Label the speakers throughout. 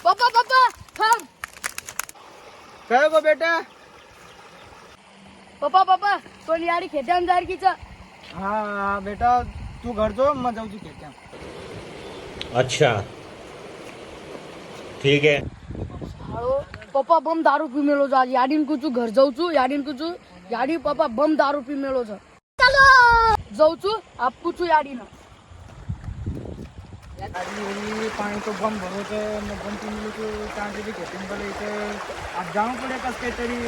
Speaker 1: पप्पा पप्पा थांब.
Speaker 2: काय गो बेटा?
Speaker 1: पप्पा पप्पा तो याडी खेत्यान जारकीचा.
Speaker 2: हा बेटा तू घर जो मग जाऊ खेत्या.
Speaker 3: अच्छा ठीक है.
Speaker 1: हालो पप्पा बम दारू पी मेलो जा याडीन कुचू घर जाऊ छू याडीन कुचू याडी पप्पा बम दारू पी मेलो छ. चलो जाऊ छू आपू छू याडीन.
Speaker 2: पानी तो बम भरो छे मैं बम पी मिलो तो कहाँ से भी खेते बोले इसे अब जाऊँ पड़े कस के तेरी.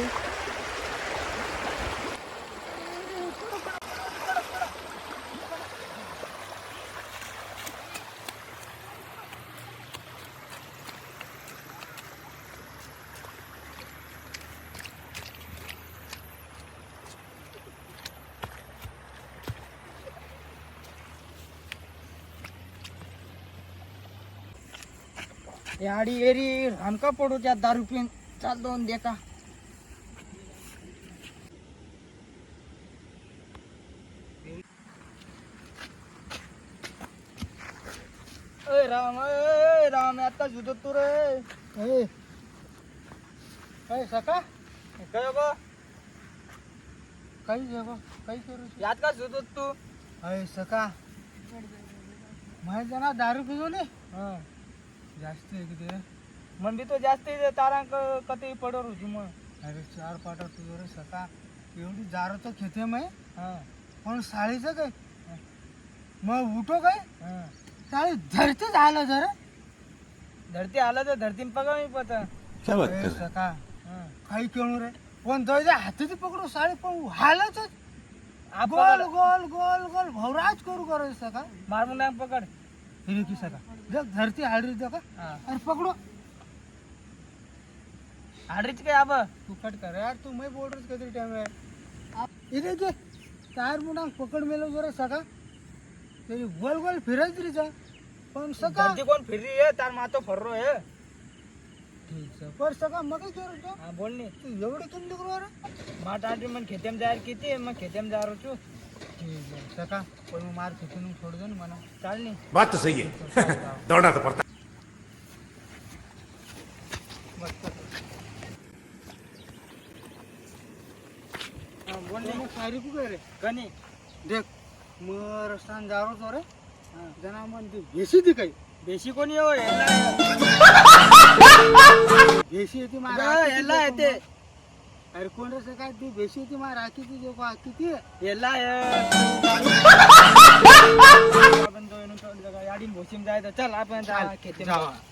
Speaker 2: याडी एरी हमका पडू त्या दारू पिन चाल दोन दे का. ए राम आता जुदो तू रे. ए सका काय गो काही जेव काही करू यात का जुदो तू. अय सका माहिती ना दारू पिजो ने. हां जास्त आहे किती मन भी तो जास्त तारा कधी पडर होती मग. अरे 4 पाटा तुझं रे सका एवढी दारू तो खेते मैं. हां पण साळीचं काय मग उठो काय. साळी धरतीच आलं जरा धरती आलं तर धरती पगा मी पता सका काही केळू रे पण जायच्या हाताची पकडू साळी पण हालच गोल गोल गोल गोल भवराज करू करायचं सका मारून नाही पकड हिरे की सका जग धरती हाडरी का अरे पकड़ो हाडरीच काय अब तू कट कर यार तू मैं बोल रहा कितनी टाइम है इधर के टायर मुंडा पकड़ मेलो जरा सका तेरी गोल गोल फिरत रही जा पण सका धरती कोण फिर रही है तार मातो फर रो है. ठीक है पर सका मग काय करू. हां बोल नी तू एवढे किम निकरो रे माट आटी मन खेतेम जायर किती मग खेतेम जारो छु. ठीक है सका कोई मार खेतून छोड़ दो ना मना चाल नी.
Speaker 3: बात तो सही है. दौड़ना तो पड़ता.
Speaker 2: बोल नी सारी को रे कनी देख मग रस्तान जारो तो रे जना मन ती बेसी ती काही बेसी कोणी हो बेसी येते मारा याला येते. अरे कोण रे काय ती बेसी येते मारा राखी ती जो का किती याला आपण तो याडीन भोसीम जाय तर चल आपण खेते जावा.